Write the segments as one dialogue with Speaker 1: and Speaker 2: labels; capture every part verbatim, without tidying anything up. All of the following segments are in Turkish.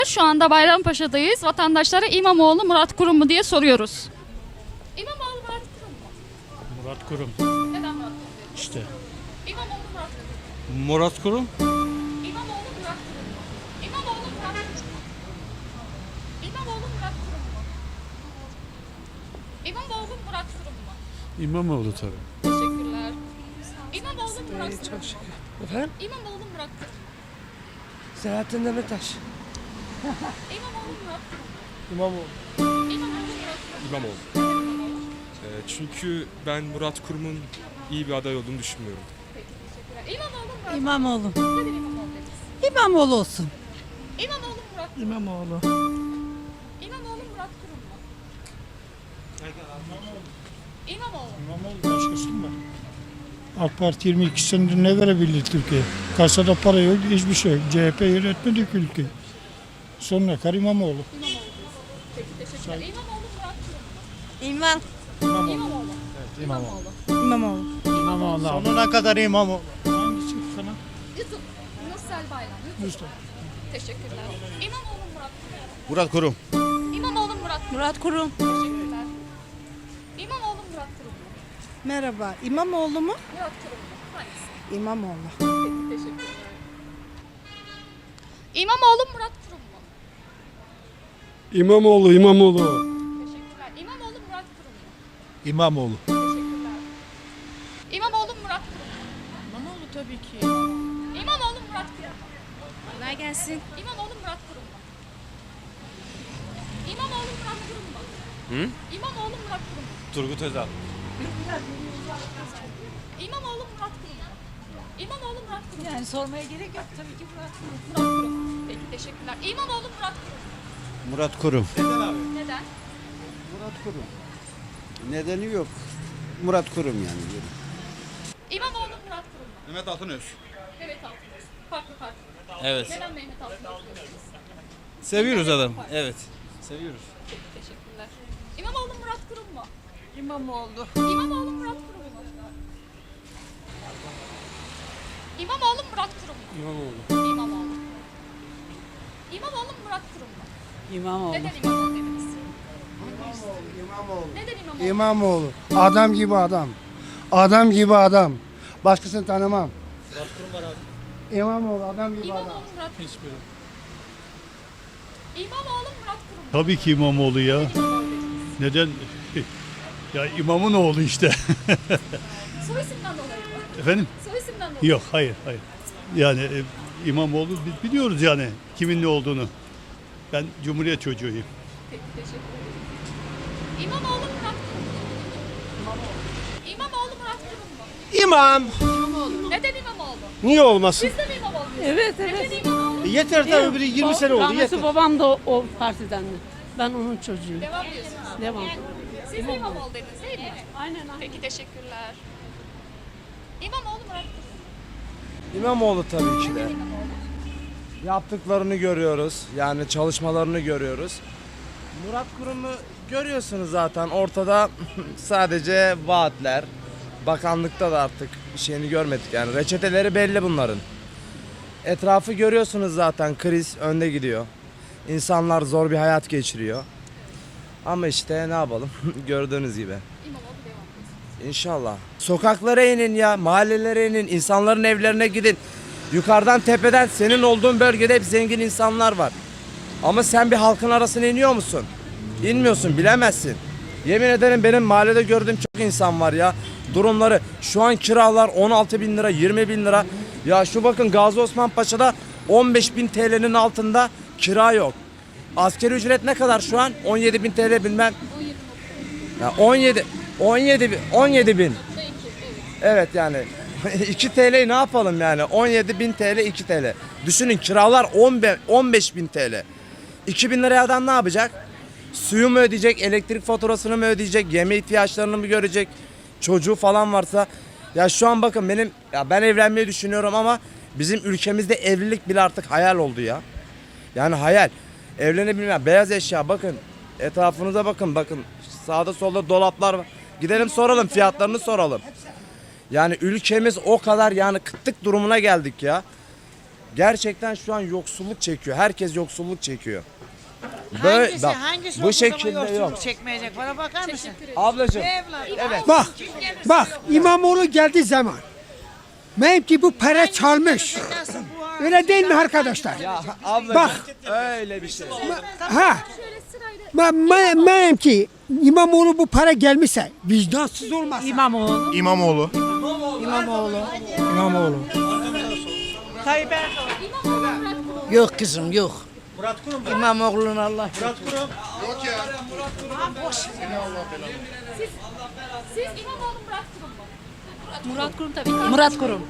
Speaker 1: Şu anda Bayrampaşa'dayız. Vatandaşlara İmamoğlu Murat Kurum mu diye soruyoruz. İmamoğlu Murat Kurum mu?
Speaker 2: Murat Kurum.
Speaker 1: Neden Murat Kurum?
Speaker 2: İşte.
Speaker 1: İmamoğlu Murat Kurum.
Speaker 2: Murat Kurum.
Speaker 1: İmamoğlu Murat Kurum mu? İmamoğlu Murat Kurum mu? İmamoğlu Murat Kurum mu? İmamoğlu Murat Kurum mu?
Speaker 2: İmamoğlu tabii.
Speaker 1: Teşekkürler. İmamoğlu Murat Kurum.
Speaker 3: Çok şükür. Efendim?
Speaker 1: İmamoğlu Murat Kurum.
Speaker 3: Selahattin Demirtaş.
Speaker 1: İmamoğlu Murat Kurum.
Speaker 3: İmamoğlu.
Speaker 1: İmamoğlu Murat Kurum.
Speaker 4: İmamoğlu. Ee, çünkü ben Murat Kurum'un iyi bir aday olduğunu düşünmüyorum.
Speaker 1: İmamoğlu Murat
Speaker 5: İmamoğlu.
Speaker 1: Neden İmamoğlu dediniz?
Speaker 5: İmamoğlu olsun.
Speaker 1: İmamoğlu Murat Kurum.
Speaker 3: İmamoğlu.
Speaker 1: İmamoğlu Murat Kurum mu? İmamoğlu.
Speaker 2: İmamoğlu başkası mı? AK Parti yirmi iki senedir ne verebildi Türkiye? Kasada para yok, hiçbir şey yok. C H P yönetmedi ki ülkeyi. Sonuna kadar İmamoğlu.
Speaker 1: İmamoğlu. Peki teşekkürler. İmamoğlu Murat Kurum mu?
Speaker 5: İmam.
Speaker 1: İmamoğlu. İmamoğlu.
Speaker 5: İmamoğlu.
Speaker 2: İmamoğlu.
Speaker 3: Sonuna kadar İmamoğlu.
Speaker 2: Hangisi kanal?
Speaker 1: YouTube. Nursel Bayram. YouTube.
Speaker 2: Mustafa.
Speaker 1: Teşekkürler. İmamoğlu Murat Kurum.
Speaker 3: Murat Kurum.
Speaker 1: İmamoğlu Murat Kurum.
Speaker 5: Murat Kurum.
Speaker 1: Teşekkürler. İmamoğlu Murat Kurum mu?
Speaker 5: Merhaba. İmamoğlu mu?
Speaker 1: Murat Kurum mu? Hangisi?
Speaker 5: İmamoğlu.
Speaker 1: Peki teşekkürler. İmamoğlu Murat Kurum mu?
Speaker 6: İmamoğlu, İmamoğlu.
Speaker 1: Teşekkürler. İmamoğlu Murat Kurum mu?
Speaker 3: İmamoğlu.
Speaker 1: Teşekkürler. İmamoğlu Murat Kurum mu?
Speaker 5: İmamoğlu tabii ki.
Speaker 1: İmamoğlu Murat Kurum mu?
Speaker 5: Kolay gelsin.
Speaker 1: İmamoğlu Murat Kurum mu? İmamoğlu Murat Kurum mu?
Speaker 4: Hı?
Speaker 1: İmamoğlu Murat Kurum mu?
Speaker 4: Turgut Özal.
Speaker 1: İmamoğlu Murat Kurum mu? İmamoğlu Murat Kurum mu?
Speaker 5: Yani sormaya gerek yok tabii ki Murat Kurum.
Speaker 1: Murat Kurum. Peki teşekkürler. İmamoğlu Murat Kurum mu?
Speaker 3: Murat Kurum.
Speaker 1: Neden?
Speaker 7: Murat Kurum. Nedeni yok. Murat Kurum yani.
Speaker 1: İmamoğlu Murat Kurum mu?
Speaker 4: Mehmet Altınöz.
Speaker 1: Mehmet Altınöz. Farklı farklı.
Speaker 4: Evet.
Speaker 1: Neden Mehmet Altınöz diyorsunuz?
Speaker 4: Seviyoruz adam. Evet. Seviyoruz.
Speaker 1: Peki teşekkürler. İmamoğlu Murat Kurum mu?
Speaker 5: İmamoğlu.
Speaker 1: İmamoğlu Murat Kurum mu? İmamoğlu Murat Kurum mu?
Speaker 4: İmamoğlu.
Speaker 1: İmamoğlu. İmamoğlu Murat Kurum mu?
Speaker 5: İmamoğlu.
Speaker 1: Neden İmamoğlu dediniz?
Speaker 7: İmamoğlu.
Speaker 1: Neden İmamoğlu?
Speaker 7: İmamoğlu. Adam gibi adam. Adam gibi adam. Başkasını tanımam. Murat Kurum var abi. İmamoğlu adam gibi adam.
Speaker 1: İmamoğlu Murat Kurum. İmamoğlu Murat Kurum mu?
Speaker 2: Tabii ki İmamoğlu ya.
Speaker 1: Neden İmamoğlu dediniz?
Speaker 2: Neden? Ya imamın oğlu işte.
Speaker 1: Soy isimden dolayı mı?
Speaker 2: Efendim?
Speaker 1: Soy isimden dolayı.
Speaker 2: Yok, hayır, hayır. Yani e, İmamoğlu biz biliyoruz yani kimin ne olduğunu. Ben Cumhuriyet çocuğuyum.
Speaker 1: Peki teşekkür ederim. İmamoğlu Murat Kurum mu? İmamoğlu. İmamoğlu Murat Kurum mu?
Speaker 3: İmam.
Speaker 1: İmamoğlu. Neden İmamoğlu?
Speaker 3: Niye olmasın?
Speaker 1: Siz de mi İmamoğlu?
Speaker 5: Evet
Speaker 1: Neden
Speaker 5: evet.
Speaker 1: İmamoğlu?
Speaker 3: Yeter tabii biri yirmi sene oldu
Speaker 5: Rahmetli
Speaker 3: yeter.
Speaker 5: babam da o, o partidendi. Ben onun çocuğuyum.
Speaker 1: Devam diyorsunuz.
Speaker 5: Devam.
Speaker 1: Siz de İmamoğlu dediniz değil mi?
Speaker 5: Aynen aynen.
Speaker 1: Peki teşekkürler. İmamoğlu Murat Kurum.
Speaker 8: İmamoğlu tabii ki de.
Speaker 1: İmamoğlu.
Speaker 8: Yaptıklarını görüyoruz. Yani çalışmalarını görüyoruz. Murat Kurum'u görüyorsunuz zaten. Ortada sadece vaatler. Bakanlıkta da artık bir şeyini görmedik. Yani reçeteleri belli bunların. Etrafı görüyorsunuz zaten. Kriz önde gidiyor. İnsanlar zor bir hayat geçiriyor. Ama işte ne yapalım gördüğünüz gibi.
Speaker 1: İmamoğlu devam ediyorsunuz.
Speaker 8: İnşallah. Sokaklara inin ya, mahallelere inin, insanların evlerine gidin. Yukarıdan tepeden senin olduğun bölgede hep zengin insanlar var. Ama sen bir halkın arasına iniyor musun? İnmiyorsun, bilemezsin. Yemin ederim benim mahallede gördüğüm çok insan var ya. Durumları şu an kiralar on altı bin lira, yirmi bin lira. Ya şu bakın Gazi Osman Paşa'da on beş bin T L'nin altında kira yok. Asgari ücret ne kadar şu an? on yedi bin T L bilmem. Ya on yedi, on yedi bin, on yedi bin. Evet yani iki T L ne yapalım yani? on yedi bin T L, iki T L. Düşünün kiralar on beş bin T L. iki bin liraya adam ne yapacak? Suyu mu ödeyecek, elektrik faturasını mı ödeyecek, yeme ihtiyaçlarını mı görecek? Çocuğu falan varsa. Ya şu an bakın benim, ya ben evlenmeyi düşünüyorum ama bizim ülkemizde evlilik bile artık hayal oldu ya. Yani hayal. Evlenebilmem. Beyaz eşya bakın. Etrafınıza bakın bakın. Sağda solda dolaplar var. Gidelim soralım fiyatlarını soralım. Yani ülkemiz o kadar yani kıtlık durumuna geldik ya. Gerçekten şu an yoksulluk çekiyor. Herkes yoksulluk çekiyor. Böyle,
Speaker 6: Hangisi,
Speaker 8: bak,
Speaker 6: hangisi
Speaker 8: bu
Speaker 6: bu
Speaker 8: şekilde
Speaker 6: şekilde
Speaker 8: yok.
Speaker 6: çekmeyecek? Bana bakar mısın?
Speaker 8: Ablacığım,
Speaker 6: Evlat.
Speaker 8: evet.
Speaker 9: Bak, bak İmamoğlu geldiği zaman benim ki bu para çalmış.
Speaker 6: Nasıl bu ha?
Speaker 9: Öyle değil mi arkadaşlar?
Speaker 8: Ya ablacığım,
Speaker 9: Bak.
Speaker 8: öyle bir şey.
Speaker 9: Ha. Ben, ben, benim ki İmamoğlu bu para gelmişse vicdansız olmaz.
Speaker 6: İmamoğlu.
Speaker 3: İmamoğlu.
Speaker 6: İmamoğlu.
Speaker 3: İmamoğlu.
Speaker 6: Tayyip Erdoğan.
Speaker 5: Yok kızım yok.
Speaker 3: Murat Kurum.
Speaker 5: İmamoğlu'nun Allah.
Speaker 3: Murat Kurum.
Speaker 1: Siz İmamoğlu Murat Kurum mu?
Speaker 5: Murat Kurum tabii ki. Murat Kurum.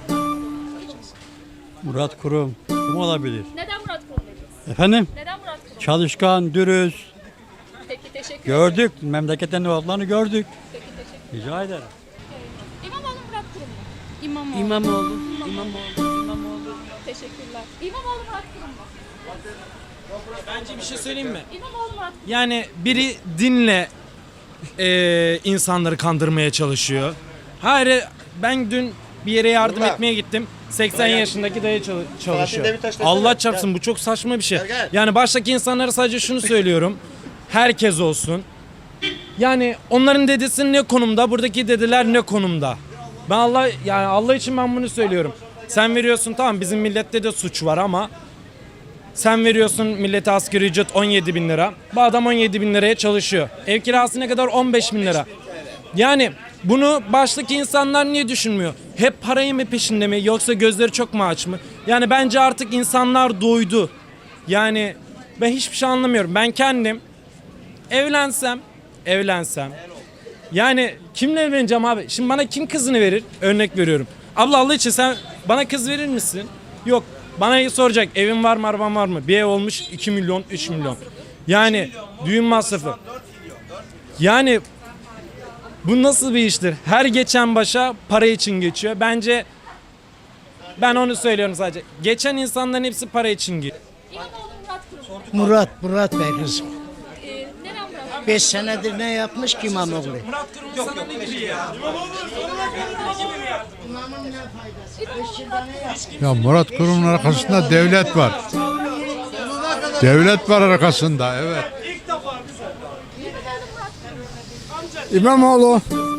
Speaker 10: Murat Kurum. Kim olabilir?
Speaker 1: Neden Murat Kurum dediniz?
Speaker 10: Efendim?
Speaker 1: Neden Murat Kurum?
Speaker 10: Çalışkan, dürüst.
Speaker 1: Peki teşekkür ederim.
Speaker 10: Gördük. Memleketten ne olanı gördük.
Speaker 1: Peki teşekkür
Speaker 10: Rica ederim.
Speaker 1: İmamoğlu Murat Kurum mu?
Speaker 5: İmamoğlu. İmamoğlu. İmamoğlu. İmamoğlu.
Speaker 1: Teşekkürler. İmamoğlu Murat Kurum mu?
Speaker 11: Bence bir şey söyleyeyim mi?
Speaker 1: İmamoğlu Murat Kurum.
Speaker 11: Yani biri dinle eee, insanları kandırmaya çalışıyor. Hayır, ben dün bir yere yardım etmeye gittim. seksen yaşındaki dayı çalı- çalışıyor. Allah çarpsın, bu çok saçma bir şey. Yani baştaki insanlara sadece şunu söylüyorum. Herkes olsun. Yani onların dedesi ne konumda, buradaki dedeler ne konumda? Ben Allah yani Allah için ben bunu söylüyorum. Sen veriyorsun, tamam, bizim millette de suç var ama sen veriyorsun millete asgari ücret on yedi bin lira. Bu adam on yedi bin liraya çalışıyor. Ev kirası ne kadar? on beş bin lira. Yani bunu baştaki insanlar niye düşünmüyor? Hep parayı mı peşinde mi, yoksa gözleri çok mu aç mı? Yani bence artık insanlar doydu. Yani ben hiçbir şey anlamıyorum. Ben kendim evlensem, evlensem yani kimle evleneceğim abi? Şimdi bana kim kızını verir? Örnek veriyorum. Abla Allah için sen bana kız verir misin? Yok. Bana soracak evin var mı, araban var mı? Bir ev olmuş iki milyon, üç milyon. Yani düğün masrafı. Yani bu nasıl bir iştir? Her geçen başa para için geçiyor. Bence ben onu söylüyorum sadece. Geçen insanların hepsi para için geçiyor.
Speaker 1: İmamoğlu Murat Kurum mu?
Speaker 6: Murat, Murat Bey kızım.
Speaker 1: Ee, neden Murat Kurum?
Speaker 6: Beş senedir ne yapmış ki İmamoğlu?
Speaker 12: Ya Murat Kurum'un arkasında devlet var. Devlet var arkasında, evet.
Speaker 9: İmamoğlu.